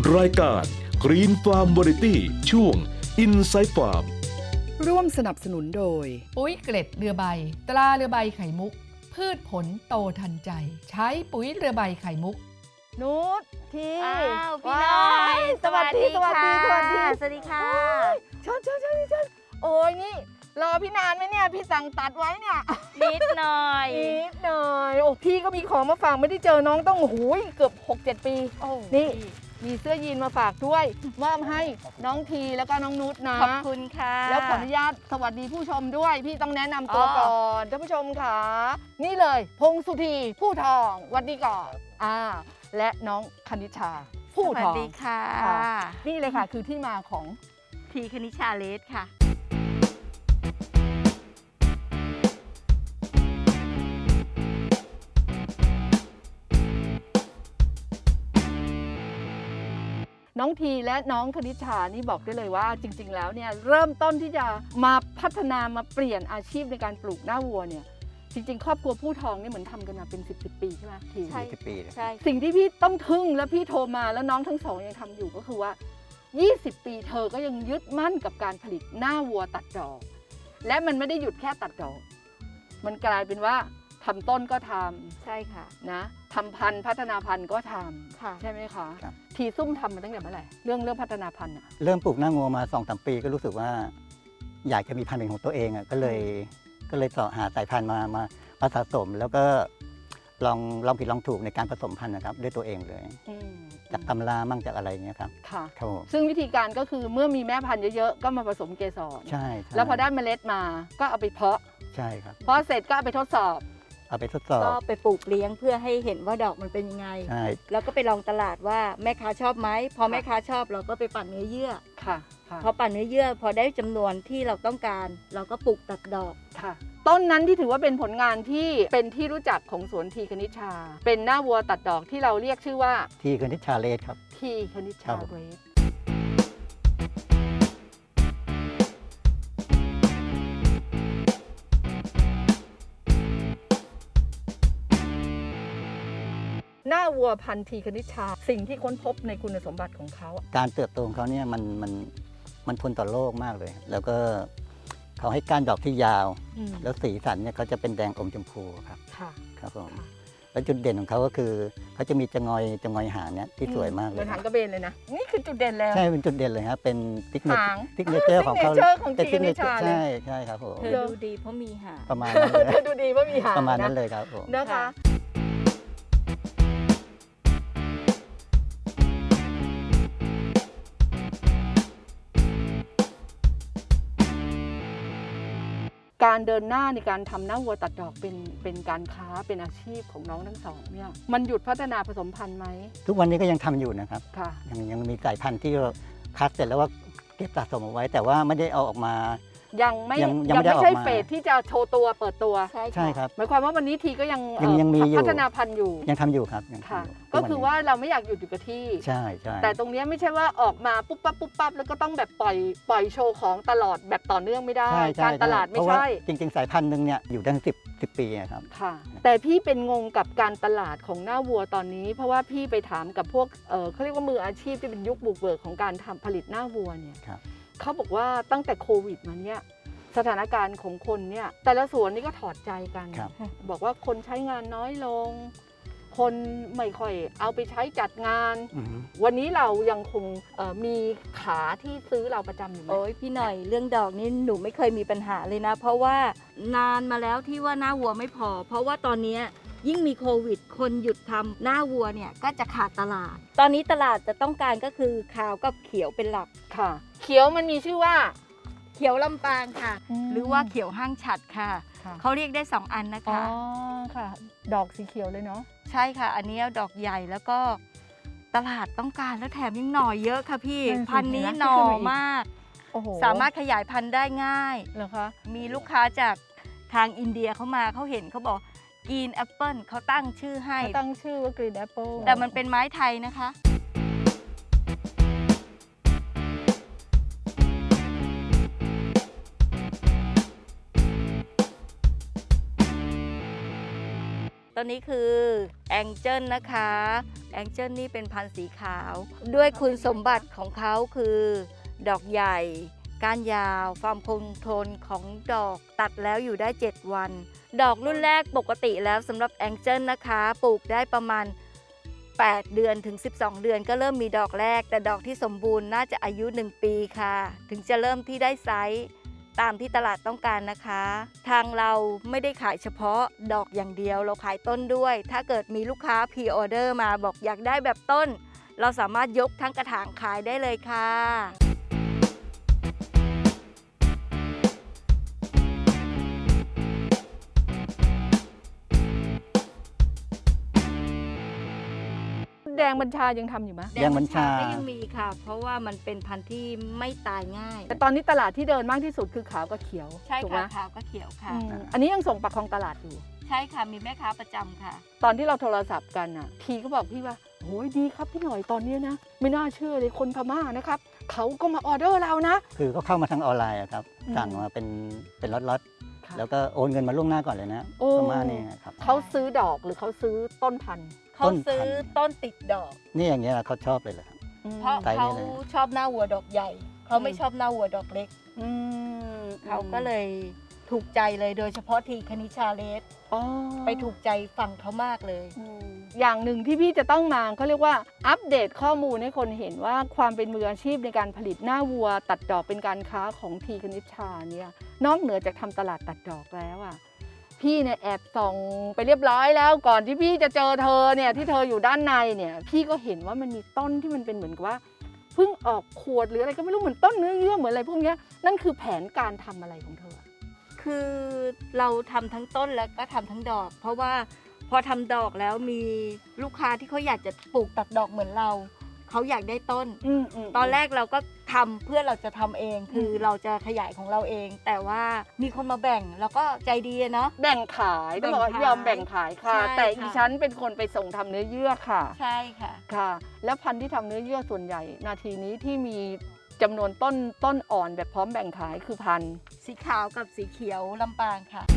รายการ Green Farm Variety ช่วง Inside Farm ร่วมสนับสนุนโดยปุ๋ยเกล็ดเรือใบตราเรือใบไข่มุกพืชผลโตทันใจใช้ปุ๋ยเรือใบไข่มุกนุชทีอ้าวพี่น้อยสวัสดีค่ะสวัสดีค่ะเชิญโอ้ยนี่รอพี่นานไหมเนี่ยพี่สั่งตัดไว้เนี่ยนิดหน่อยนิดหน่อยโอ้พี่ก็มีของมาฝากไม่ได้เจอน้องต้องโอ้โหเกือบ 6-7 ปีโอ้นี่มีเสื้อยีนมาฝากด้วยมอบให้น้องทีแล้วก็น้องนุชนะขอบคุณค่ะแล้วขออนุญาตสวัสดีผู้ชมด้วย พี่ต้องแนะนำตัวอ๋อก่อนท่านผู้ชมค่ะนี่เลยพงสุธีผู้ทองสวัสดีก่อนและน้องคณิชาผู้สวัทสองดีค่ะค่ะนี่เลยค่ะคือที่มาของทีคณิชาเลสค่ะน้องทีและน้องคณิชานี่บอกได้เลยว่าจริง ๆ แล้วเนี่ยเริ่มต้นที่จะมาพัฒนามาเปลี่ยนอาชีพในการปลูกหน้าวัวเนี่ยจริง ๆ ครอบครัวผู้ทองนี่เหมือนทำกันมาเป็น10 ปีใช่ไหมทีใช่ 20 ปีเลยใช่สิ่งที่พี่ต้องทึ่งและพี่โทรมาแล้วน้องทั้งสองยังทำอยู่ก็คือว่า 20 ปีเธอก็ยังยึดมั่นกับการผลิตหน้าวัวตัดดอก และมันไม่ได้หยุดแค่ตัดดอก มันกลายเป็นว่าทำต้นก็ทใช่ค่ะำนะทำพันธุ์พัฒนาพันธุ์ก็ทค่ะำใช่ไหมคะครับทีซุ่มทำมาตั้งแต่เมื่อไหร่เรื่องพัฒนาพันธุ์อะเริ่มปลูกหน้างัวมา 2-3 ปีก็รู้สึกว่า อยากจะมีพันธุ์เป็นของตัวเองอ่ะก็เลยเสาะหาสายพันธุ์มาสะสม แล้วก็ลองผิดลองถูกในการผสมพันธุ์นะครับด้วยตัวเองเลยอืมจากตำรามั่งจากอะไรเงี้ยครับค่ะครับผมซึ่งวิธีการก็คือเมื่อมีแม่พันธุ์เยอะๆก็มาผสมเกสรใช่แล้วพอได้เมล็ดมาก็เอาไปเพาะใช่ครับเพาะเสร็จก็เอาไปทดสอบเอาไปทดสอบก็ไปปลูกเลี้ยงเพื่อให้เห็นว่าดอกมันเป็นยังไงใช่แล้วก็ไปลองตลาดว่าแม่ค้าชอบไหม พอแม่ค้าชอบเราก็ไปปั่นเนื้อเยื่อค่ะค่ะพอปั่นเนื้อเยื่อ พอได้จำนวนที่เราต้องการ เราก็ปลูกตัดดอกค่ะต้นนั้นที่ถือว่าเป็นผลงานที่เป็นที่รู้จักของสวนทีคณิชชา เป็นหน้าวัวตัดดอกที่เราเรียกชื่อว่าที่คณิชชาเลสครับทีคณิชครัชาบเรสหน้าวัวพันธุ์ทีคณิชชาสิ่งที่ค้นพบในคุณสมบัติของเขาการเติบโตของเขาเนี่ยมันทนต่อโรคมากเลย แล้วก็เขาให้ก้านดอกที่ยาวอืมแล้วสีสันเนี่ยเขาจะเป็นแดงอมชมพูครับค่ะครับผมค่ะแล้วจุดเด่นของเขาก็คือเขาจะมีจะงอยหางเนี่ยที่สวยมากเหเลมือย นหางกระเบนเลยนะ นี่คือจุดเด่นแล้วใช่เป็นจุดเด่นเลยครับเป็นติ๊กเนหางเจอร์ของเขา signature ของเป็นทีคณิชชาเลยใช่ครับผมเธอดูดีเพราะมีหางประมาณนั้นเลยเธอดูดีว่ามีหางประมาณนั้นนะเลยครับผมนะคะค่ะการเดินหน้าในการทำหน้าวัวตัดดอกเป็นการค้าเป็นอาชีพของน้องทั้งสองเนี่ยมันหยุดพัฒนาผสมพันธุ์ไหมทุกวันนี้ก็ยังทำอยู่นะครับค่ะยังมีสายพันธุ์ที่เราคัดเสร็จแล้วว่าเก็บสะสมเอาไว้ แต่ว่าไม่ได้เอาออกมายังไม่ยังไม่ได้ไม่ใช่ออกมาเฟสที่จะโชว์ตัวเปิดตัวใช่ใช่ครับหมายความว่าวันนี้ทีก็ยังยังมีอยู่พัฒนาพันธุ์อยู่ยังทำอยู่ครับยังค่ะทำอยู่ก็คือว่าเราไม่อยากหยุดอยู่กับที่ใช่ใช่แต่ตรงเนี้ยไม่ใช่ว่าออกมาปุ๊บปั๊บแล้วก็ต้องแบบปล่อยโชว์ของตลอดแบบต่อเนื่องไม่ได้ใช่ใช่การตลาดไม่เพระว่ใช่จริง ๆ สายพันธุ์หนึ่งเนี่ยอยู่ได้10 ปีนะครับค่ะ แต่พี่เป็นงงกับการตลาดของหน้าวัวตอนนี้ เพราะว่าพี่ไปถามกับพวกเขาเรียกว่ามืออาชีพที่เป็นยุคบุกเบิกของการทำผลิตหน้าวัวเนี่ยครับเขาบอกว่าตั้งแต่โควิดมาเนี่ยสถานการณ์ของคนเนี่ยแต่ละสวนนี่ก็ถอดใจกันครับบอกว่าคนใช้งานน้อยลง คนไม่ค่อยเอาไปใช้จัดงานอือฮึวันนี้เรายังคงมีขาที่ซื้อเราประจำอยู่ไหมโอ้ยพี่หน่อยเรื่องดอกนี่หนูไม่เคยมีปัญหาเลยนะ เพราะว่านานมาแล้วที่ว่าหน้าวัวไม่พอ เพราะว่าตอนเนี้ยยิ่งมีโควิด คนหยุดทำหน้าวัวเนี่ยก็จะขาดตลาด ตอนนี้ตลาดจะต้องการก็คือขาวกับเขียวเป็นหลักค่ะ เขียวมันมีชื่อว่าเขียวลำปางค่ะอืมหรือว่าเขียวห้างฉัดค่ะค่ะเขาเรียกได้ 2 อันนะอ๋อคะค่ะ ดอกสีเขียวเลยเนาะใช่ค่ะ อันนี้ดอกใหญ่แล้วก็ตลาดต้องการแล้วแถมยังหน่อเยอะค่ะพี่นั่นสิพันธุ์นี้เห็นไหมหน่อขึ้นมาอีกมากโอ้โหสามารถขยายพันธุ์ได้ง่ายเหรอคะมีลูกค้าจากทางอินเดียเขามาเขาเห็นเขาบอกกินแอปเปิลเขาตั้งชื่อให้ตั้งชื่อว่า Green Apple แต่มันเป็นไม้ไทยนะคะกต้นนี้คือแองเจิลนะคะแองเจิลนี่เป็นพันธุ์สีขาว ด้วยคุณสมบัติของเขาคือ ดอกใหญ่ ก้านยาวความคงทนของดอกตัดแล้วอยู่ได้ 7 วัน ดอกรุ่นแรกปกติแล้วสำหรับแองเจิลนะคะปลูกได้ประมาณ 8 เดือนถึง 12 เดือนก็เริ่มมีดอกแรก แต่ดอกที่สมบูรณ์น่าจะอายุ 1 ปีค่ะ ถึงจะเริ่มที่ได้ไซส์ตามที่ตลาดต้องการนะคะ ทางเราไม่ได้ขายเฉพาะดอกอย่างเดียวเราขายต้นด้วย ถ้าเกิดมีลูกค้าพรีออเดอร์มาบอกอยากได้แบบต้น เราสามารถยกทั้งกระถางขายได้เลยค่ะแดงบัญชายังทำอยู่ไหมแดงบัญชาก็ยังมีค่ะ เพราะว่ามันเป็นพันธุ์ที่ไม่ตายง่ายแต่ตอนนี้ตลาดที่เดินมากที่สุดคือขาวกับเขียวใช่ถูกไหมค่ะขาวก็เขียวค่ะอันนี้ยังส่งปักคลองตลาดอยู่ใช่ค่ะมีแม่ค้าประจำค่ะตอนที่เราโทรศัพท์กันอ่ะพีก็บอกพี่ว่าโอ้ยดีครับพี่หน่อยตอนนี้นะ ไม่น่าเชื่อเลยคนพม่านะครับเขาก็มาออเดอร์เรานะคือก็เข้ามาทางออนไลน์อะครับอืมสั่งมาเป็นล็อตค่ะๆแล้วก็โอนเงินมาล่วงหน้าก่อนเลยนะโอ้ประมาณนี้ครับเขาซื้อดอกหรือเขาซื้อต้นพันธุ์เขาซื้อต้นติดดอกนี่อย่างเงี้ยเขาชอบเลยแหละครับเพราะไซส์นี้เขาเลยชอบหน้าวัวดอกใหญ่ เขาไม่ชอบหน้าวัวดอกเล็กอืมเขาก็เลยถูกใจเลยโดยเฉพาะทีคณิชาเลสอ๋อไปถูกใจฝั่งเขามากเลยอย่างหนึ่งที่พี่จะต้องมาเขาเรียกว่าอัปเดตข้อมูลให้คนเห็นว่าความเป็นมืออาชีพในการผลิตหน้าวัว ตัดดอกเป็นการค้าของทีคณิชชาเนี่ยนอกเหนือจากทำตลาดตัดดอกแล้วอ่ะพี่เนี่ยแอบส่องไปเรียบร้อยแล้วก่อนที่พี่จะเจอเธอเนี่ยที่เธออยู่ด้านในเนี่ยพี่ก็เห็นว่ามันมีต้นที่มันเป็นเหมือนกับว่าเพิ่งออกขวดหรืออะไรก็ไม่รู้เหมือนต้นเนื้อเยื่อเหมือนอะไรพวกเนี้ยนั่นคือแผนการทำอะไรของเธอคือเราทำทั้งต้นแล้วก็ทำทั้งดอก เพราะว่าพอทำดอกแล้วมีลูกค้าที่เขาอยากจะปลูกตัดดอกเหมือนเราเขาอยากได้ต้น ตอนแรกเราก็ทำเพื่อเราจะทำเองคือเราจะขยายของเราเอง แต่ว่ามีคนมาแบ่งแล้วก็ใจดีอะเนาะแบ่งขายต้องบอกว่ายอมแบ่งขายค่ะใช่แต่ค่ะอีฉันเป็นคนไปส่งทำเนื้อเยื่อค่ะใช่ค่ะค่ะ แล้วพันธุ์ที่ทำเนื้อเยื่อส่วนใหญ่ นาทีนี้ที่มีจำนวนต้นอ่อนแบบพร้อมแบ่งขายคือพันธุ์สีขาวกับสีเขียวลำปางค่ะ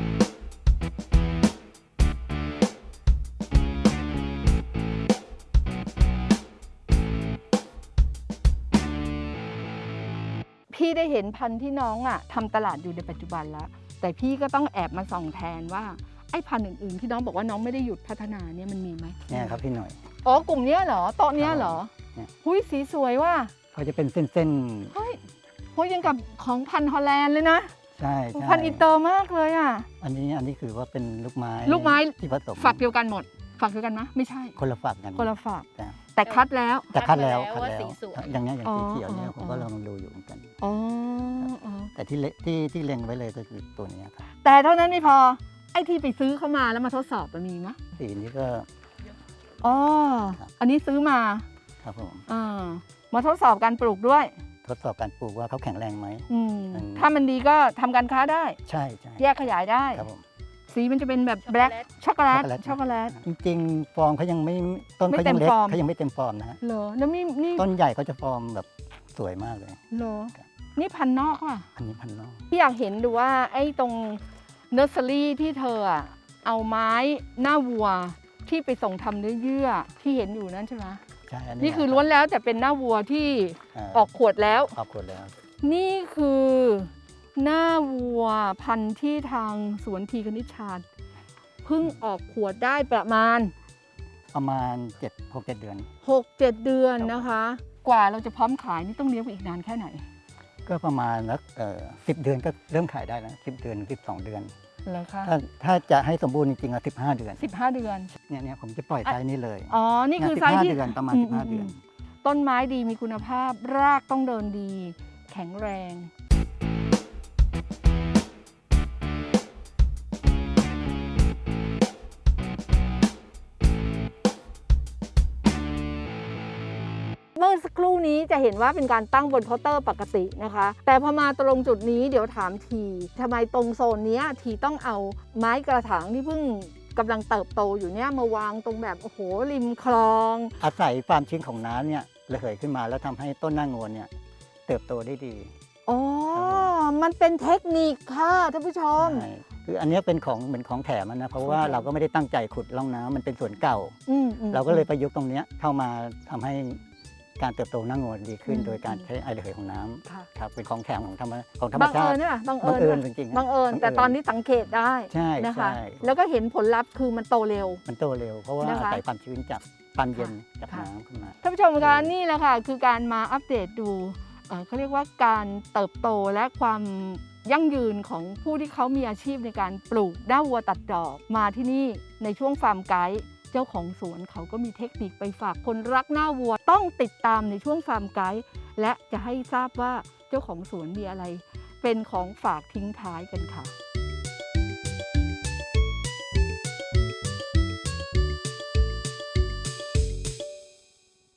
พี่ได้เห็นพันธุ์ที่น้องอ่ะทำตลาดอยู่ในปัจจุบันแล้ว แต่พี่ก็ต้องแอบมาส่องแทนว่าไอ้พันธุ์อื่นๆที่น้องบอกว่าน้องไม่ได้หยุดพัฒนาเนี่ยมันมีไหมเนี่ยครับพี่หน่อยอ๋อกลุ่มเนี้ยเหรอโต๊ะเนี้ยเหรอเนี่ยหุ้ยสีสวยว่ะเขาจะเป็นเส้นเฮ้ยโหยังกับของพันธุ์ฮอลแลนด์เลยนะๆใช่ใช่พันธุ์อินเตอร์มากเลยอ่ะอันนี้คือว่าเป็นลูกไม้ลูกไม้ที่ผสมฝักเดียวกันหมด ฝักเดียวกันไหมไม่ใช่คนละฝักกันคนละฝักจ้ะแต่คัดแล้วแต่คัดแล้วคัดมาแล้วว่าสีสวยอย่างเงี้ยอย่างสีเขียวเนี่ยอ๋อผมก็ลองดูอยู่เหมือนกันอ๋ออ๋อแต่ที่เล็งไว้เลยก็คือตัวนี้ครับแต่เท่านั้นไม่พอ ไอ้ที่ไปซื้อเข้ามาแล้วมาทดสอบมันมีไหมสีนี้ก็อ๋อครับอันนี้ซื้อมาครับผมอ่ามาทดสอบการปลูกด้วยทดสอบการปลูกว่าเขาแข็งแรงไหมอืมอืมถ้ามันดีก็ทำการค้าได้ใช่ใช่แยกขยายได้ครับผมสีมันจะเป็นแบบแบล็คช็อกโกแลตช็อกโกแลตจริงๆฟอร์มเขายังไม่ต้นไม่เขาเต็ยัมงเล็กฟอร์มเขายังไม่เต็มฟอร์มนะฮะเหรอแล้วนี่ต้นใหญ่เขาจะฟอร์มแบบสวยมากเลยเหรอครับนี่พันธุ์นอกว่ะอันนี้พันนอกพี่อยากเห็นดูว่าไอ้ตรงเนอร์เซอรี่ที่เธออะเอาไม้หน้าวัวที่ไปส่งทำเนื้อเยื่อที่เห็นอยู่นั่นใช่ไหมใช่อันี่คือล้วนแล้วแต่เป็นหน้าวัวที่ออกขวดแล้วออกขวดแล้วนี่คือหน้าวัวพันธุ์ที่ทางสวนทีคณิชชาเพิ่งออกขวดได้ประมาณ 6-7 เดือน 6-7 เดือนนะคะ กว่าเราจะพร้อมขายนี่ต้องเลี้ยงไปอีกนานแค่ไหนก็ประมาณสัก10 เดือนก็เริ่มขายได้แล้ว10 เดือน12 เดือนเหรอคะถ้าจะให้สมบูรณ์จริงๆ15 เดือน 15 เดือนเนี่ยผมจะปล่อยไซส์นี้เลยอ๋อ นี่คือไซส์ 15 ที่เดือนประมาณ15 เดือนต้นไม้ดีมีคุณภาพ รากต้องเดินดี แข็งแรง เมื่อสักครู่นี้จะเห็นว่าเป็นการตั้งบนเคาน์เตอร์ปกตินะคะ แต่พอมาตรงจุดนี้เดี๋ยวถามทีทำไมตรงโซนเนี้ยทีต้องเอาไม้กระถางที่เพิ่งกำลังเติบโตอยู่เนี่ยมาวางตรงแบบโอ้โหริมคลองอาศัยความชื้นของน้ำเนี่ยระเหยขึ้นมาแล้วทำให้ต้นหน้างวนเนี่ยเติบโตได้ดีอ๋อ มันเป็นเทคนิคค่ะท่านผู้ชมใช่คืออันเนี้ยเป็นของเหมือนของแถมอะนะเพราะว่าเราก็ไม่ได้ตั้งใจขุดร่องน้ำมันเป็นสวนเก่า เราก็เลยประยุกต์ตรงเนี้ยเข้ามาทำให้การเติบโตหน้างัวดีขึ้น โดยการใช้ไอระเหยของน้ำค่ะครับเป็นของแถมของธรรมบังชาเอิติญใช่ไหมบังบังเอิเอิญญจริงๆบังเอิญแต่ตอนนี้สังเกตได้ใช่นะคะใช่แล้วก็เห็นผลลัพธ์คือมันโตเร็วมันโตเร็ว เพราะว่านะคะอาศัยความชื้นจากความเย็นจากค่ะน้ำขึ้นมาท่านผู้ชมคะนี่แหละค่ะคือการมาอัปเดตดูเขาเรียกว่าการเติบโตและความยั่งยืนของผู้ที่เขามีอาชีพในการปลูกหน้าวัวตัดดอกมาที่นี่ในช่วงฟาร์มไกด์เจ้าของสวนเขาก็มีเทคนิคไปฝากคนรักหน้าวัวต้องติดตามในช่วงฟาร์มไกด์และจะให้ทราบว่าเจ้าของสวนมีอะไรเป็นของฝากทิ้งท้ายกันค่ะ